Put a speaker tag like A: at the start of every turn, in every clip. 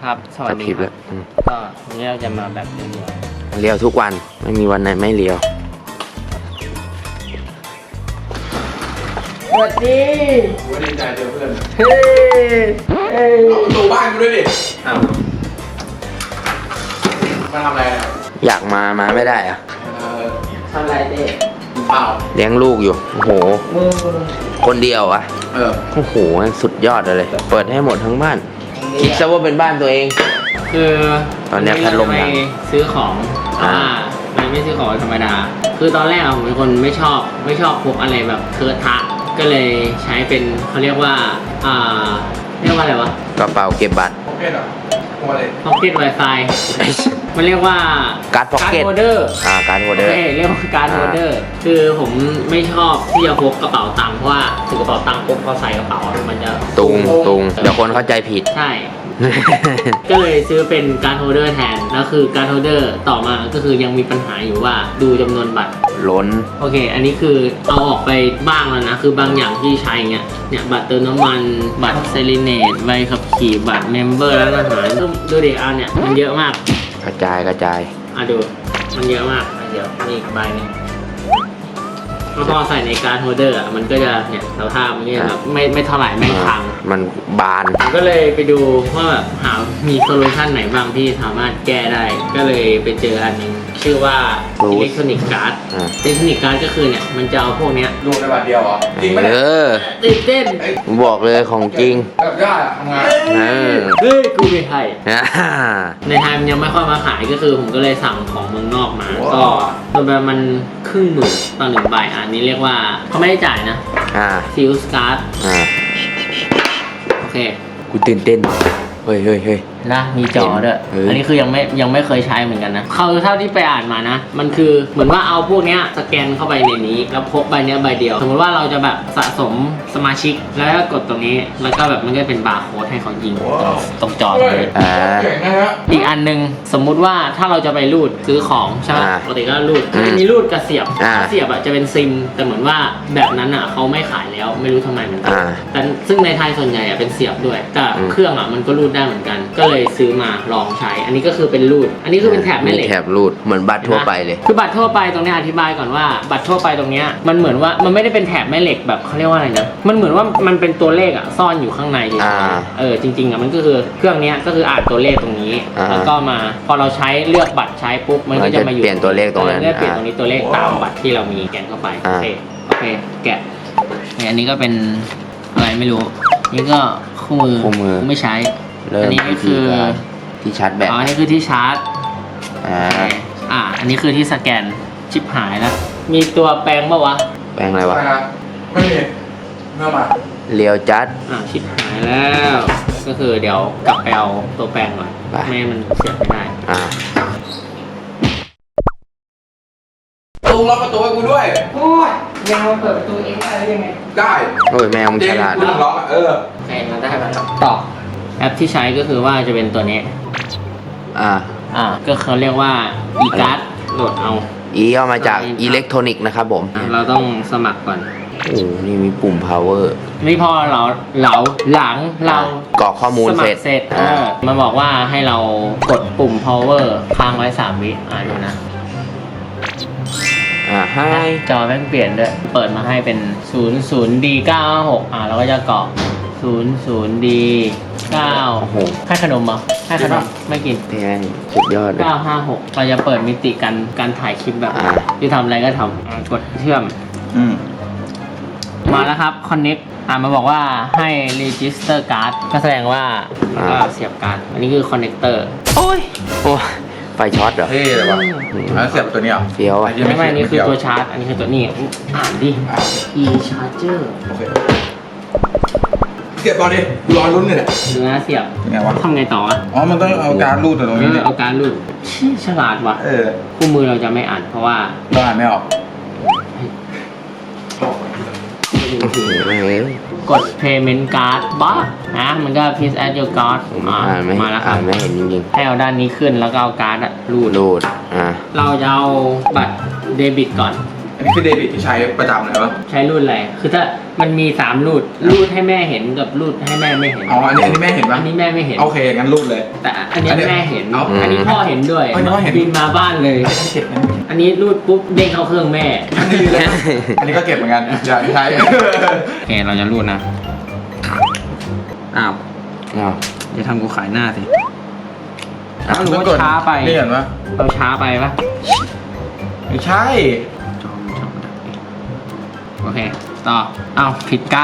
A: ครับสวัสดีครับก็วันนี้เราจะมาแบบ
B: เลี้ยวทุกวันไม่มีวันไหนไม่เลี้ยว
A: สวัสดี
C: ดีใจเจอเพื่อน
A: เฮ้
C: เอาประตูบ้านกูด้วยดิอ้าวมาทำอะไรอ่ะ
B: อยากมาไม่ได้อะ
A: ทำอะไรเด็ก
C: เปล่า
B: เลี้ยงลูกอยู่โอ้โหคนเดียวอะโอ้โหสุดยอดเลยเปิดให้หมดทั้งบ้านคิดซะว่าเป็นบ้านตัวเอง
A: คือ
B: ตอนนี้พัดลมดัง
A: ซื้อของมันไม่ซื้อของธรรมดาคือตอนแรกผมเป็นคนไม่ชอบพกอะไรแบบเคอะทะก็เลยใช้เป็นเขาเรียกว่าอะไรวะ
B: กระเป๋าเก็บบัตร
C: พ็อกเก็ตเหรอ
A: พ็อกเก็ต Wi-Fi มันเรียกว่า
B: การ์ดพ็อกเก็ต
A: โฮลเดอร์
B: การ์ดโฮลเดอร์
A: เรียกว่าการ์ดโฮลเดอร์คือผมไม่ชอบที่จะพกกระเป๋าตังค์เพราะว่าถือกระเป๋าตังค์ปุ๊บพอใส่กระเป๋ามันจะ
B: ตุงเดี๋ยวคนเข้าใจผิด
A: ใช่ก็เลยซื้อเป็นการ์ดโฮลเดอร์แทนแล้วคือการ์ดโฮลเดอร์ต่อมาก็คือยังมีปัญหาอยู่ว่าดูจำนวนบัตร
B: ล้น
A: โอเคอันนี้คือเอาออกไปบ้างแล้วนะคือบางอย่างที่ใช้เนี่ยบัตรเติมน้ำมันบัตรเซเลเนตใบขับขี่บัตรเมมเบอร์ร้านอาหารดูเด็กอันเนี่ยมันเยอะมาก
B: กระจาย
A: ดูมันเยอะมากเดี๋ยวนี่ใบนึงพอใส่ในการ์ดโฮลเดอร์มันก็จะเนี่ยสภาพมันก็แบบไม่เท่าไหร่ไม่พัง
B: มันบาน
A: ก็เลยไปดูว่าแบบหามีโซลูชันไหนบ้างที่สามารถแก้ได้ก็เลยไปเจออันนึงชื่อว่าอิเล็กทรอนิกส์การ์ดอิเล็กทรอนิกส์การ์ดก็คือเนี่ยมันจะเอาพวกเนี้ย
C: รวมในบัตรเดียวเหรอจริงไหม
A: ตื่นเต้น
B: บอกเลยของจริง
C: แบบยากทำงาน
A: เฮ้ยกูไม่ไทยในไทยมันยังไม่ค่อยมาขายก็คือผมก็เลยสั่งของเมืองนอกมาก็ตัวแบบมัน1,000,000ต่อ1ใบอันนี้เรียกว่าเขาไม่ได้จ่ายนะซิลส์การ์ดโอเค
B: กูตื่นเต้นเฮ้ย
A: นะมีจอด้วยอันนี้คือยังไม่เคยใช้เหมือนกันนะเท่าที่ไปอ่านมานะมันคือเหมือนว่าเอาพวกเนี้ยสแกนเข้าไปในนี้แล้วพกใบเนี้ยใบเดียวสมมติว่าเราจะแบบสะสมสมาชิกแล้วก็กดตรงนี้แล้วก็แบบมันก็เป็นบาร์โค้ดให้เขายิงตรงจอเลยอีกอันนึงสมมุติว่าถ้าเราจะไปรูดซื้อของใช่ไหมปกติก็รูดมีรูดกระเสียบจะเป็นซิมแต่เหมือนว่าแบบนั้นอ่ะเขาไม่ขายแล้วไม่รู้ทำไมเหมือนกันแต่ซึ่งในไทยส่วนใหญ่เป็นเสียบด้วยแต่เครื่องอ่ะมันก็รูดได้เหมือนกันก็เลยซื้อมาลองใช้อันนี้ก็คือเป็นรูดอันนี้คือเป็นแถบแม่เหล็ก
B: แถบรูดเหมือนบัตรทั่วไปเลย
A: คือบัตรทั่วไปตรงนี้อธิบายก่อนว่าบัตรทั่วไปตรงนี้มันเหมือนว่ามันไม่ได้เป็นแถบแม่เหล็กแบบเขาเรียกว่าอะไรนะมันเหมือนว่ามันเป็นตัวเลขอ่ะซ่อนอยู่ข้างในจริงๆอ่ะมันก็คือเครื่องนี้ก็คืออ่านตัวเลขตรงนี้แล้วก็มาพอเราใช้เลือกบัตรใช้ปุ๊บมันก็จะมาอยู่
B: เปลี่ยนตัวเลขตรงนั้น
A: เปลี่ยนตรงนี้ตัวเลขตามบัตรที่เรามีแกนเข้าไปโอเคแกะอันนี้ก็เป็นอะไรไม่รู้นี่ก็คู่มือไม่ใช้อันนี้คือ
B: ที่ชาร์จแบต
A: อันนี้คือที่ชาร์จอันนี้คือที่สแกนชิปหายแล้วมีตัวแปลงป่าวะ
B: แปลงอะไรวะ
C: ไม่มีเมื่อมา
B: เลียวจัด
A: ชิปหายแล้วก็คือเดี๋ยวกลับไปเอาตัวแปลงก่อนไม่มันเสียบไม่ได้
C: ลุงล็อกประตูให้กูด้วย
A: โอ้ยแมวเปิดประตูเองได้ยังไง
C: ได้
B: โอ้ยแมวมันฉลาด
C: ลุงล็อก
A: โอเคมาได้แล้วต่อแอปที่ใช้ก็คือว่าจะเป็นตัวนี้ก็เขาเรียกว่า e-card โหลดเอา
B: เอามาจากอิเล็กทรอนิกส์นะครับผม
A: เราต้องสมัครก่อน
B: โอ้นี่มีปุ่ม power
A: นี่พอเราหลังเรา
B: กรอกข้อมูลเสร็จ
A: มันบอกว่าให้เรากดปุ่ม power ค้างไว้3 วิดูนะ
B: ให้
A: จอแม่งเปลี่ยนด้วยเปิดมาให้เป็น 00D956 เราก็จะกรอก 00D9 ให้ขนมเหรอให้ขนมไม่กิน
B: แพงสุดยอด
A: 956เราจะเปิดมิติการถ่ายคลิปแบบที่ทำอะไรก็ทำกดเชื่อมมาแล้วครับ connect มาบอกว่าให้ register card ก็แสดงว่าก็เสียบการ์ดอันนี้คือ connector โอ้
B: ไฟช็อตเหรอ
C: เฮ้ยอะไรวะแล้วเสียบตัวนี้เหรอ
B: เฟี้ยว
A: ไม่นี่คือตัวชาร์จอันนี้คือตัวนี้อ่านดิ e charger
C: โอเคเสียบตอนนี้รอลุ้นเลยเนี่ย
A: เนื้อเสียบ
C: ไงวะ
A: ทำไงต่อ
C: มันต้องเอาการรูดตรงนี้
A: เอาการรูดฉลาดว่ะคู่มือเราจะไม่อ่านเพราะว่า
C: เราอ่านไม่ออก
A: กด payment card บ้ามันก็ please add your card มาแล้วครับ
B: ไม่เห็นจริง
A: ๆให้เอาด้านนี้ขึ้นแล้วก็เอาการ์ดรูดเราจะเอาบัตรเดบิตก่อน
C: อันนี้คือเดบิตที่ใช้ประจำเลยวะ
A: ใช้รูดอะไรคือถ้ามันมี3รูดรูดให้แม่เห็นกับรูดให้แม่ไม่เห็น
C: อ๋ออันนี้แม่เห็นปะ
A: อันนี้แม่ไม่เห็น
C: โอเคงั้นรูดเลย
A: แต่อันนี้แม่เห็น
C: เอา
A: อันนี้พ่อเห็นด้วย
C: อันนี้พ่อเห็น
A: บินมาบ้านเลย
C: เก็บนะ
A: อันนี้รูดปุ๊บเด้งเข้าเครื่องแม่
C: อันนี้ก็เก็บเหมือนกันอย่าใช้
A: โอเคเราจะรูดนะอ้าว
B: อ้าว
A: อย่าทำกูขายหน้าสิอ้าวหรือว่าช้าไป
C: นี่เห็นปะ
A: เราช้าไปปะ
C: ไม่ใช่
A: จอมโอเคต่ออ้าวผิดการ์ด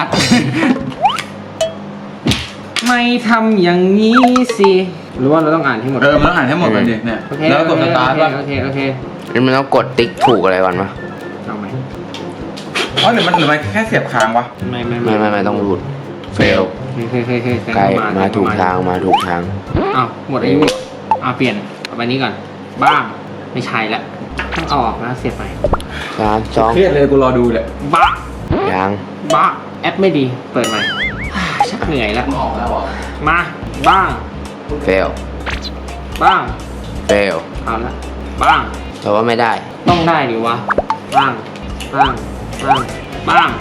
A: ไม่ทำอย่างนี้สิหรือว่าเราต้องอ่านให้หมด
C: มันต้องอ่านให้หมดกันดิเนี่ย
A: โอเค
C: แล้วกดสตาร์ทป่ะ
A: โอเคโอเค
B: นี่มันต้องกดติ๊กถูกอะไรก่อนวะ
A: เอาไหม
C: อ๋อหรือมันแค่เสียบค้างวะ
B: ไม่ต้องรูดเฟล
A: เคย
B: ไกลมาถูกทางมาถูกทาง
A: อ้าวหมดอายุเปลี่ยนเอาไปนี้ก่อนบ้างไม่ใช่ละต้องเอาออกนะเสียบใหม่
B: 3 2
C: เครียดเลยกูรอดูเลย
A: บ้า
B: ยัง
A: บ้าแอปไม่ดีเปิดใหม่ ชักเหนื่อยแล้ว
C: ออกแล้วเหรอ
A: มาบ้าง
B: เฟล
A: บ้าง
B: เฟล
A: เอาละบ้าง
B: แต่ว่าไม่ได้
A: ต้องได้ดิวะบ้างบ้างบ้างบ้าง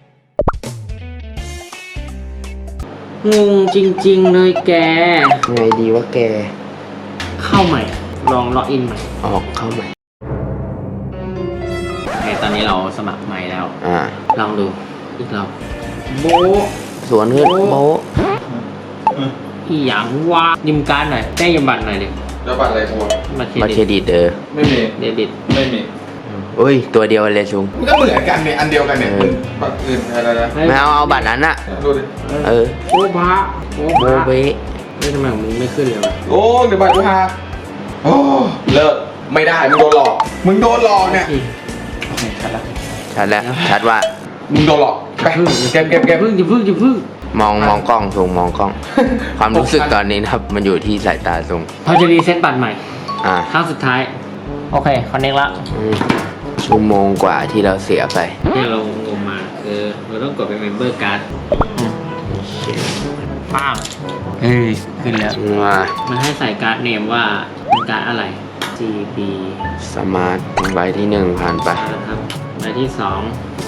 A: งงจริงๆเลยแก
B: ไงดีวะแก
A: เข้าใหม่ ลองล็อกอินใหม่
B: ออกเข้าใหม่
A: โอเคตอนนี้เราสมัครใหม่แล้ว ลองดูอีกรอบโบะ
B: สวนขึ้นโบ๊ะ
A: อีหยังวะยืมการ์ดหน่อยได้ยืมบัตรหน่อยดิ
C: แล้วบัตรอะไรกู
A: บัตร
B: บัตร
A: เค
B: เค
A: ร
B: ร
A: ดิต
B: ดิต
C: ไม่มี
A: เดบิต
C: ไม่มี
B: อุ้ยตัวเดียวเลยชุง
C: มันก็เหมือนกันเนี่ยอันเดียวกันเนี่ยบัตรอื่นอะไรนะ
B: ไม่เอาบัตรนั้นอะ
C: ดูดิ
B: เออ
A: โอ้พระโอ้
B: โบ
A: พระ
B: เบะ
A: เฮ้ยทำไมของมึงไม่ขึ้นเลยวะ
C: โอ้เดี๋ยวบัตรกูหาโอ้เลิกไม่ได้มึงโดนหลอกเนี่ย
A: อี
C: โอเคชัดละ
B: ชัดแล้วชัดว่า
C: มึงโดนหลอกไปเก็บ
A: อย่าพึ่งอย่าพึ่ง
B: มองกล้องซุงมองกล้อง ความรู้สึกตอนนี้นะครับ มันอยู่ที่สายตาซุง
A: เราจะรีเซ็ตบัตรใหม่
B: อ่า
A: ครั้งสุดท้าย โอเคคอนเนคละ
B: ชั่วโมงกว่าที่เราเสียไป
A: ที่เรางมมาคือเราต้องกดเป็นเมมเบอร์การ์ดป้างเฮ้ยขึ้นแล้ว
B: ว่า
A: มันให้ใส่การ์ดเนมว่าเป็นการ์ดอะไร GB
B: สมาร์ทใบที่ 1 ผ่านไป
A: นะครับใบที่2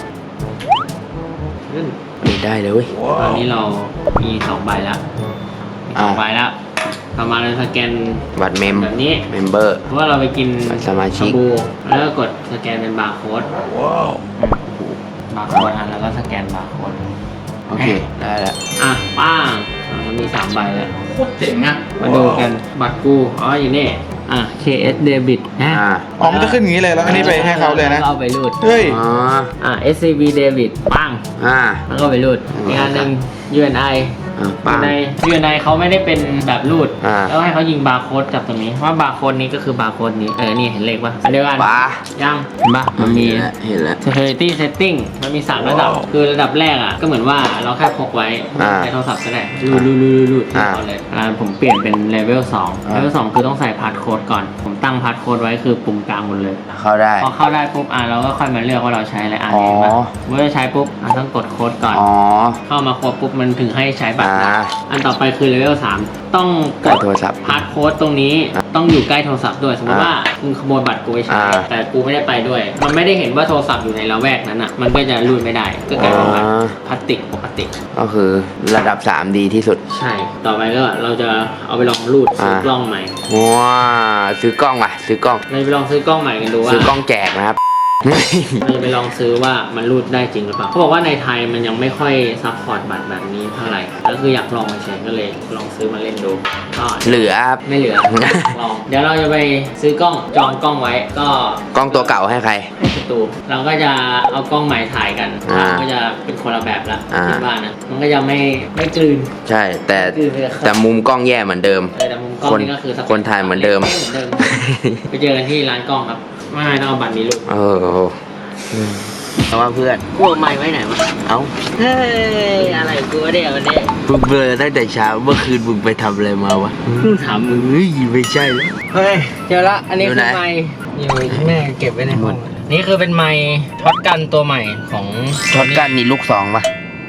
A: ขึ้น
B: ไม่ได้เลยเว้ย
A: ตอนนี้เรามี2ใบแล้วมีสองใบแล้วต่อมาเราสแกน
B: บัตรเมม
A: แบบนี้
B: เมมเบอร์
A: เพราะว่าเราไปกิน
B: บัตรสมาชิก
A: ชบูแล้วก็กดสแกนเป็นบาร์โค้ดบาร์โค้ดแล้วก็สแกนบาร์โค้ด
B: โอเค ได้แล้ว
A: อ่ะป้างมันมี3ใบแล้ว
C: โคตรเจ๋งอ่ะ
A: มาดูกันบัตรกูอ๋ออยู่นี่อ่ะ KS Debit นะ
C: อ๋อมันจะขึ้นอย่างนี้เลยแล้วอันนี้ไปให้เขาเลยนะ
A: เอาไปรูด
C: เฮ้ย
B: อ๋อ
A: อ่ะ SCB Debit ปัง แล้วก็ไปรูดอีกอันหนึ่ง UNI
B: ปัง
A: UNI เขาไม่ได้เป็นแบบรูด
B: อ่า
A: แล้วให้เขายิงบาร์โค้ดจากตรงนี้ว่าบาร์โค้ดนี้ก็คือบาร์โค้ดนี้นี่เห็นเลขป่ะอันเดียวกัน
B: ป้า
A: ยังเห็นป่ะมันมี
B: เห็นแล้ว
A: security setting มันมี3ระดับ คือระดับแรกอ่ะก็เหมือนว่าเราแค่พกไว้ใช้โทรศัพท์ก็ได้รูดที่เขาเลยผมเปลี่ยนเป็น level 2 level 2 คือต้องใส่พาสโค้ดก่อน ผมตั้งพาสโค้ดไว้คือปุ่มกลางหมดเลย
B: เข้าได้
A: พอเข้าได้ปุ๊บเราก็ค่อยมาเลือกว่าเราใช้อะไรเห็นป่ะเมื่อใช้ปุ๊บต้องกดโค้ดก่อน
B: อ๋อ
A: เข้ามาครบปุ๊บมันถึงให้ใช้บัตรได้
B: อ่า
A: อันต่อไปคือ level 3 ต้องก
B: ใกล้
A: ด
B: โทรศัพท์
A: พาสโค้ดตรงนี้ต้องอยู่ใกล้โทรศัพท์ด้วย สมมติว่าคุณขโมยบัตรกูไปใช้
B: อ่า
A: แต่กูไม่ได้ไปด้วย มันไม่ได้เห็นว่าโทรศัพท์อยู่ในละแวกนั้นอ่ะ มันก็จะรูดไม่ได้ ก็กลายเป็นบัตรพลาสติกปกติ
B: ก็คือระดับ 3 ดีที่สุด
A: ใช่ ต่อไปก็เราจะเอาไปลองรูดซื้อกล้องใหม่
B: ว้าซื้อกล้องว่ะ ซื้อกล้อง
A: เราจะไปลองซื้อกล้องใหม่กันดูว่า
B: ซื้อกล้องแจกนะครับ
A: เราจะไปลองซื้อว่ามันรูดได้จริงหรือเปล่าเขาบอกว่าในไทยมันยังไม่ค่อยซัพพอร์ตบัตรแบบนี้เท่าไหร่แล้วคืออยากลองเฉยๆก็เลยลองซื้อมาเล่นดูก็
B: เหลือครับ
A: ไม่เหลือ ลอง เดี๋ยวเราจะไปซื้อกล้องจองกล้องไว้ก็
B: กล้องตัวเก่าให้ใคร
A: ให้สตูเราก็จะเอากล้องใหม่ถ่ายกัน
B: อ่า
A: ก็จะเป็นคนละแบบละ
B: อ่า
A: คิดว่านะมันก็จะไม่กลืน
B: ใช่ แต่
A: กลืนไปกับ
B: แต่มุมกล้องแย่เหมือนเดิม
A: แต่มุมกล้องนี่ก็คือ
B: คนถ่ายเหมือนเดิม
A: เหมือนเดิม ไปเจอกันที่ร้านกล้องครับไม่ต้องเอาบัตรนี้ลูก
B: เพราะว่าเพื่อน
A: กูเอาไม้ไว้ไหนวะ
B: เอ้า
A: เฮ้ยอะไรกูวะเนี่ยวันนี้
B: มึงเบลอตั้งแต่เช้า เมื่อคืนมึงไปทำอะไรมาวะ
A: ถามมึง
B: เฮ้ยไม่ใช่แล้ว
A: เฮ้ยเจอละอันนี้
B: อยู่
A: คื
B: ไหน
A: อไม้อยู่แม่เก็บไว้ในห้องนี่คือเป็นไม้ช็อตกันตัวใหม่ของ
B: ช็อตกันนี่ลูก 2ป่ะ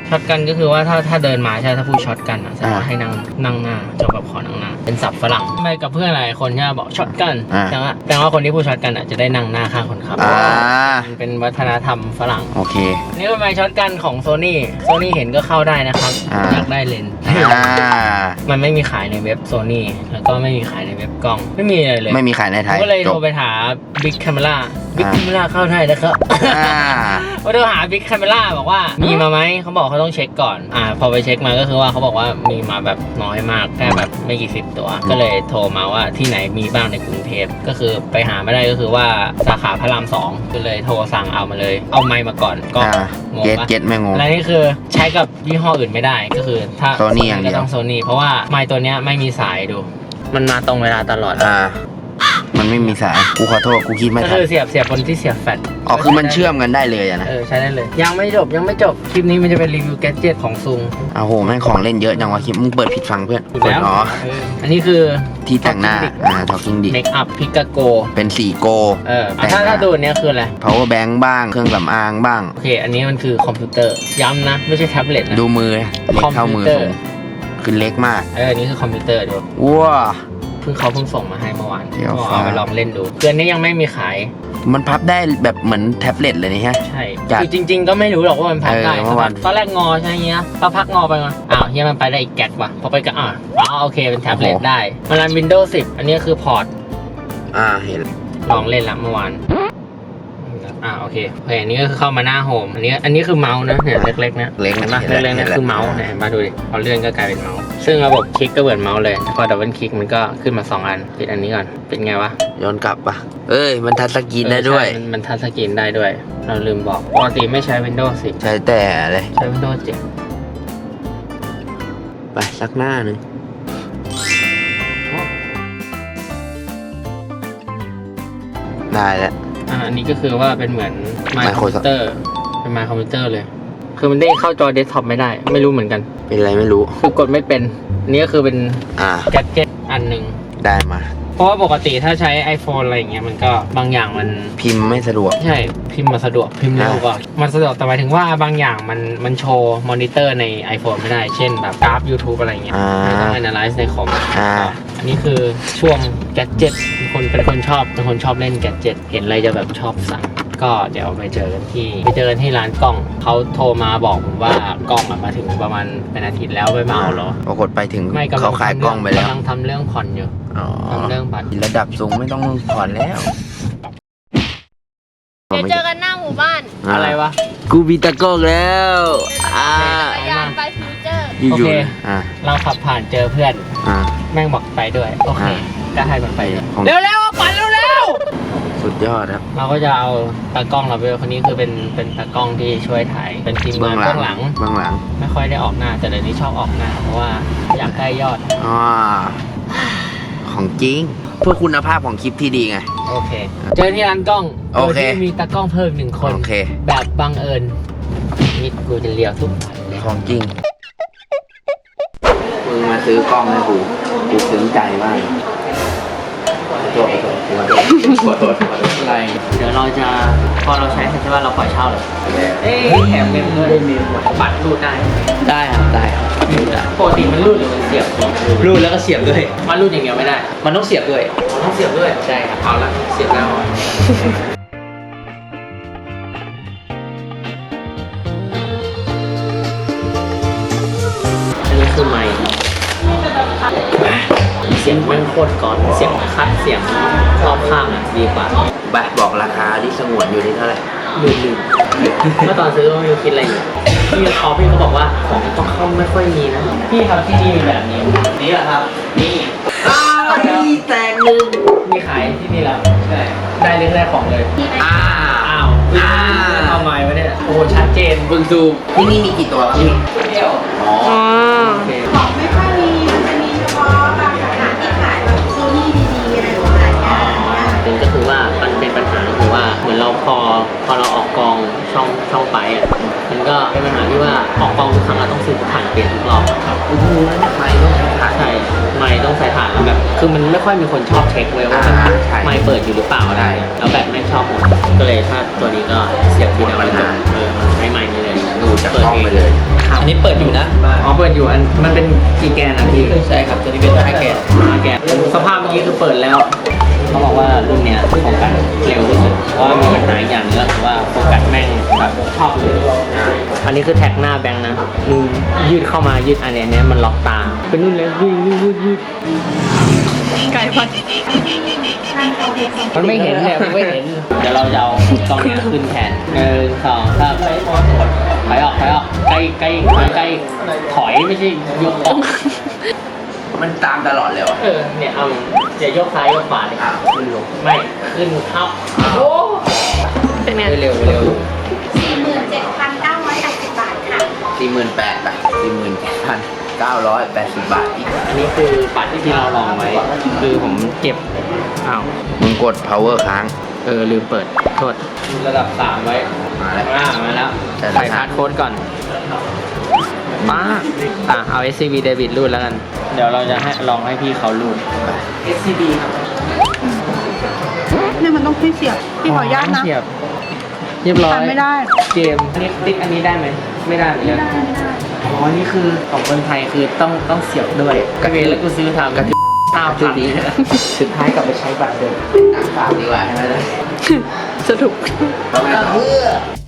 A: ช็อตกันก็คือว่าถ้าเดินมาใช่ถ้าพูดช็อตกันอ่ะแสดงว่าให้นั่งหน้าจะแบบขอนั่งหน้าเป็นศัพท์ฝรั่งไปกับเพื่อนหลายคนใช่ไหมบอกช็อตกันแปลว่าคนที่พูดช็อตกันอ่ะจะได้นั่งหน้าข้างคนขับมันเป็นวัฒนธรรมฝรั่ง
B: โอเค
A: นี่เป็นไมค์ช็อตกันของโซนี่เห็นก็เข้าได้นะครับอยากได้เลนส์มันไม่มีขายในเว็บโซนี่แล้วก็ไม่มีขายในเว็บกล้องไม่มีอะไรเลย
B: ไม่มีขายในไทย
A: ก็เลยโทรไปหา Big Camera เข้าได้นะครับก็โทรหา Big Camera บอกว่ามีมาไหมเขาบอกเขาต้องเช็คก่อนพอไปเช็คมาก็คือว่าเขาบอกว่ามีมาแบบน้อยมากแค่แบบไม่กี่สิบตัวก็เลยโทรมาว่าที่ไหนมีบ้างในกรุงเทพก็คือไปหาไม่ได้ก็คือว่าสาขาพระราม 2ก็เลยโทรสั่งเอามาเลยเอาไมค์มาก่อนก็งงปะ
B: เก็ตไม่งง
A: และนี่คือใช้กับยี่ห้ออื่นไม่ได้ก็คือถ้า
B: Sony อย่างเดียว
A: ก็ต้องโซนี่เพราะว่าไมค์ตัวเนี้ยไม่มีสายดูมันมาตรงเวลาตลอด
B: มันไม่มีสายกูขอโทษกูคิดไม่ทัน
A: ก็คือเสียบบนที่เสียบแฟลช
B: คือมันเชื่อมกันได้เลยนะ
A: ใช้ได้เลยยังไม่จบคลิปนี้มันจะเป็นรีวิวแกดเจ็ตของซุง
B: โหแม่งของเล่นเยอะจังวะคลิปมึงเปิดผิดฟังเพื่อนเปิด
A: อันนี้คือ
B: ที่แต่งหน้าTalking Dick
A: เมคอัพพิกาโก
B: เป็นสีโก
A: ถ้าดูเนี้ยคืออะไร
B: power bank บ้างเครื่องสำอางบ้าง
A: โอเคอันนี้มันคือคอมพิวเตอร์ย้ำนะไม่ใช่แท็บเล็ตนะ
B: ดูมือเล็กเท่ามือผมคือเล็กมาก
A: อันนี้คือคอมพิวเตอร์ดู
B: ว้า
A: เขาเพิ่งส่งมาให้เมื่อวานเอาไปลองเล่นดูเดือนนี้ยังไม่มีขาย
B: มันพับได้แบบเหมือนแท็บเล็ตเลยนี่ฮะ
A: ใช่คือจริงๆก็ไม่รู้หรอกว่ามันพับได้ตอนแรกงอใช่ไหมเงี้ยเราพักงอไปมาเฮียมันไปได้อีกแก๊กว่ะพอไปก็โอเคเป็นแท็บเล็ตได้มันรัน Windows 10อันนี้คือพอร์ต
B: เห็น
A: ลองเล่นแล้วเมื่อวานโอเคอันนี้ก็คือเข้ามาหน้าโฮมอันนี้คือเมาส์นะเนี่ยเล็กๆนะ
B: เล็ก
A: นะเล็กๆนะคือเมาส์เนี่ยมาดูดิพอเลื่อนก็กลายเป็นเมาส์ซึ่งระบบคลิกก็เหมือนเมาส์เลยพอดับเบิลคลิกมันก็ขึ้นมา2อันปิดอันนี้ก่อนเป็นไงวะ
B: ย้อนกลับปะมันทัชสกรีนได้ด้วย
A: มันทัชสกรีนได้ด้วยเราลืมบอกปกติไม่ใช้ Windows 10
B: ใช้แต่อะไร
A: ใช้ Windows 7
B: ไปสักหน้านึงได้แล้ว
A: อันนี้ก็คือว่าเป็นเหมือนไมค์คอมพิวเตอร์เป็นไมค์คอมพิวเตอร์เลยคือมันเด้งเข้าจอเดสก์ท็อปไม่ได้ไม่รู้เหมือนกัน
B: เป็นอะไรไม่รู้
A: คือกดไม่เป็นนี่ก็คือเป็นแกดเจ็ตอันหนึ่ง
B: ได้มา
A: เพราะว่าปกติถ้าใช้ iPhone อะไรอย่างเงี้ยมันก็บางอย่างมัน
B: พิมพ์ไม่สะดวก
A: ใช่พิมพ์มาสะดวกพิมพ์เร็วกว่ามันสะดวกแต่หมายถึงว่าบางอย่างมันโชว์มอนิเตอร์ใน iPhone ไม่ได้เช่นแบบกราฟ YouTube อะไรเงี้ยต้อง analyze ในคอมอันนี้คือช่วงแกดเจ็ตเป็นคนชอบเล่นแกดเจ็ตเห็นอะไรจะแบบชอบสั่งก็เดี๋ยวไปเจอกันที่ร้านกล้องเขาโทรมาบอกผมว่ากล้องมาถึงประมาณเป็นอาทิตย์แล้วไม่มาเอาหรอ
B: ปรากฏไปถึงเขาขายกล้องไปแล้ว
A: กำลังทำเรื่องผ่อนอยู่ทำเรื่องบัตร
B: ระดับสูงไม่ต้องผ่อนแล้ว
D: เดี๋ยวเจอกันหน้าหมู่บ้าน
A: อะไรวะ
B: กูมีตะกล้องแล้ว
D: จักรยานไปฟิวเจอร์
A: โอเคเราขับผ่านเจอเพื่อนแม่งบอกไปด้วยโอเคก็ให้มันไปเร็วปั่นเร็ว
B: สุดยอดครับ
A: เราก็จะเอาตากล้องเราไปคนนี้คือเป็นตากล้องที่ช่วยถ่ายเป็นทีมงานเบื้องหลังไม่ค่อยได้ออกหน้าแต่เดี๋ยวนี้ชอบออกหน้าเพราะว่าอยากได้ยอด
B: ของจริงเพื่อคุณภาพของคลิปที่ดีไง
A: โอเคเจอที่ร้านกล้องโอเคมีตากล้องเพิ่ม1 คนแบบบังเอิญนี่กูจะเลี้ยวทุกวันเลย
B: ของจริงมึงมาซื้อกล้องให้กูซึ้งใจมาก
A: ขอโทษอะไรเดี๋ยวเราจะพอเราใช้เสร็จใช่ป่ะเราปล่อยเช่าเลยแถมเงินด้วยบัตรรูดได้ครับปกติมันรูดหรือมันเสียบ
E: รูดแล้วก็เสียบด้วย
A: มันรูดอย่างเดียวไม่ได้
E: มันต้องเสียบด้วย
A: ใช่ครับเอาละเสียบแล้วอันนี้คือไมค์เสียงแม่งโคตรก่อนเสียงคัดเสียงรอบข้างดีกว่า
B: บอกราคาที่สงวนอยู่ที่เท่าไหร่
A: ลืมเมื่อตอนซื้อก็ไม่รู้คิดอะไรอยู่พี่เขาบอกว่าของต้องเข้าไม่ค่อยมีนะพี่ครับที่นี่มีแบบนี้นี่แหละครับนี่
B: แต่งหนึ่ง
A: มีขายที่นี่แล้วใช่ได้เรื่องแรกของเลยเอาไม้ไว้เนี่ยโอ้ชัดเจน
B: บึงซูที่นี่มีกี่ตัว
A: พี่เดียว
D: ของไม่ค่อยมีมันจะมีเฉพาะบางสาขาที่ขายแบบโซนี่ดีๆอะไรประมาณนี้
A: ก็คือว่ามันเป็นปัญหาคือว่าเหมือนเราพอเราออกกองช่องไปมันก็เป็นปัญหาที่ว่าออกกองทุกครั้งเราต้องซื้อถ่านเปลี่ยนทุกรอบครับ
B: ไม่ต้องใช้ถ่าน
A: ใช่ไม่ต้องใส่ถ่านแล้วแบบคือมันไม่ค่อยมีคนชอบเช็คเลยว่าไม่เปิดอยู่หรือเปล่าอะไรแล้วแบบไม่ชอบหมดก็เลยถ้าตัวนี้ก็เสียบที่เดียวเลยใช้ไม้นี่เลย
B: ดูจากกล้องไปเลย
E: อันนี้เปิดอยู่นะ
A: อ๋อเปิดอยู่มันเป็นกี่แกนอะพี่
E: ใช่ครับตัวนี้เป็น5 แกน
A: 5 แกนสภาพเมื่อกี้คือเปิดแล้วเขาบอกว่ารุ่นเนี้ยโฟกัสเร็วที่สุดเพราะว่ามีปัญหาอีกอย่างนึงก็คือว่าโฟกัสแม่งแบบชอบเลยอันนี้คือแท็กหน้าแบงค์นะมึงยืดเข้ามายืดอันเนี้ยมันล็อกตาเป็นรุ่นเล็กยืด
D: ไก่พัน
A: มันไม่เห็นเนี่ยมันไม่เห็นเดี๋ยวเราจะเอากล้องเนี้ยขึ้นแทน1 2 3ถอยออกใกล้ถอยไม่ใช่ยกออก
B: มันตามตลอดเลยวะ
A: เนี่ยเอาอย่ายกซ้ายยกขวาเลยขึ้นลงไม่ขึ้นเข้า
D: เป็นไง
E: เร็ว
D: 47,980 บาทค่ะ
B: 48,000 บาท 47,980 บาทอีก
A: อันนี้คือบัตรที่เราลองไว้ คือผมเก็บอ้าว
B: มึงกด power ค้าง
A: ลืมเปิดโทษระดับ 3 ไว้
B: มาแล้ว
A: มาแล้ว
B: แต่ละ
A: ใส่พาสโค้ดก่อนมาเอา SCB Debit รูดแล้วกัน เดี๋ยวเราจะลองให้พี่เขารูด SCB ครับ
D: เนี่ยมันต้องให้เสียบพี่ขออนุญาตนะ
A: เสียบเรียบร้อย
D: ทำไม่ได้
A: เกมนี่ติ๊กอันนี้ได้ไหมไม่ได้เหมือนกันอ๋อนี่คือของคนไทยคือต้องเสียบด้วยก็เลยแล้วกูซื้อทำกับ5,000นี้สุดท้ายกลับไปใช้บัตรเดิม
B: ฝากดีกว่าใช่ไหมล่ะ
D: สรุป
B: เราไม่ต้องเพื่อ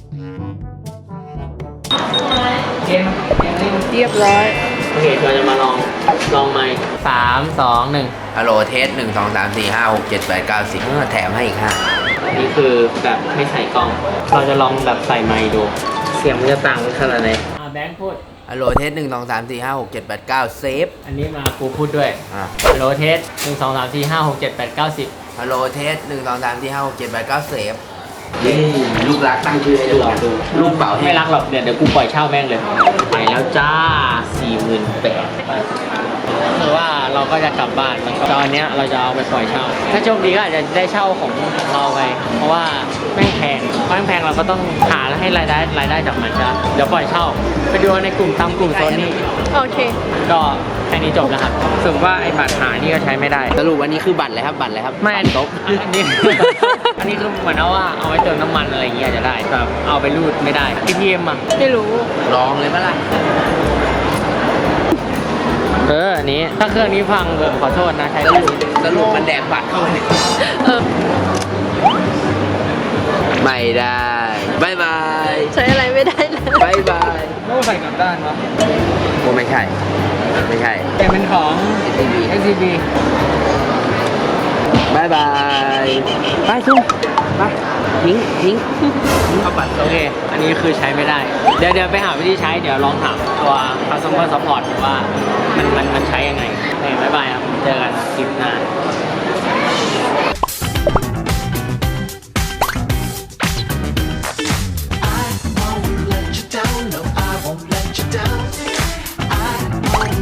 A: เกมนี้มัน
D: เรียบร้อย
A: โอเคเราจะมาลองไมค์3 2 1
B: ฮัลโหลเทส1 2 3 4 5 6 7 8 9 10แถมให้อีก5
A: อันนี้คือแบบไม่ใส่กล้อง เราจะลองแบบใส่ไมค์ดู เสียงมันจะต่างกันขนาดไหนแบงค์พูด
B: ฮัลโหลเทส1 2 3 4 5 6 7 8 9เซฟ
A: อันนี้มากูพูดด้วย ฮัลโหลเทส1 2 3 4 5 6 7 8 9 10
B: ฮัลโหลเทส1 2 3 4 5 6 7 8 9เซฟลูกรักตั้งชื่อให้ด้วยลูกเป่าให้
A: ไม่รักหรอกเดี๋ยวกูปล่อยเช่าแม่งเลย ไปแล้วจ้า 48,000คือว่าเราก็จะกลับบ้านแล้วก็ตอนเนี้ยเราจะเอาไปปล่อยเช่า ถ้าโชคดีก็อาจจะได้เช่าของเราไป เพราะว่าแม่งแพงเราก็ต้องหาให้รายได้จากมันจ้ะเดี๋ยวปล่อยเช่า ไปดูในกลุ่มตามกลุ่มโซนนี้
D: โอเค
A: ก็แค่นี้จบแล้วครับถึงว่าไอ้บัตรหานี่ก็ใช้ไม่ได้
B: สรุปวันนี้คือบัตรอะไรครับบัตรอะไรครับ
A: ไม่อันนี้ อันนี้คือเหมือนว่าเอาไว้เติมน้ำมันอะไรอย่างเงี้ยจะได้แบบเอาไปรูดไม่ได้ ATM อ่ะ
D: ไม่รู้
B: ลองเลยปะล่ะ
A: อันนี้ถ้าเครื่องนี้พังขอโทษนะใช้เครื่องนี้
B: สรุปมันแดกบัตรเข้าไปเนี่ย
D: เออ
B: ไม่ได้บายบาย
D: ใช้อะไรไม่ได้เลย
B: บายบาย
A: โน้ใส่กลับด้านวะ
B: โอ้ไม่ใช่
A: แต่เป็นของ SCB
B: บายบายไปซุ่มไปทิ้ง
A: เอาบัตรโอเค อันนี้คือใช้ไม่ได้ เดี๋ยวไปหาวิธีใช้ เดี๋ยวลองถามตัว customer support ว่ามันใช้ยังไงโอเคบ๊ายบายครับ เจอกันคลิปหน้า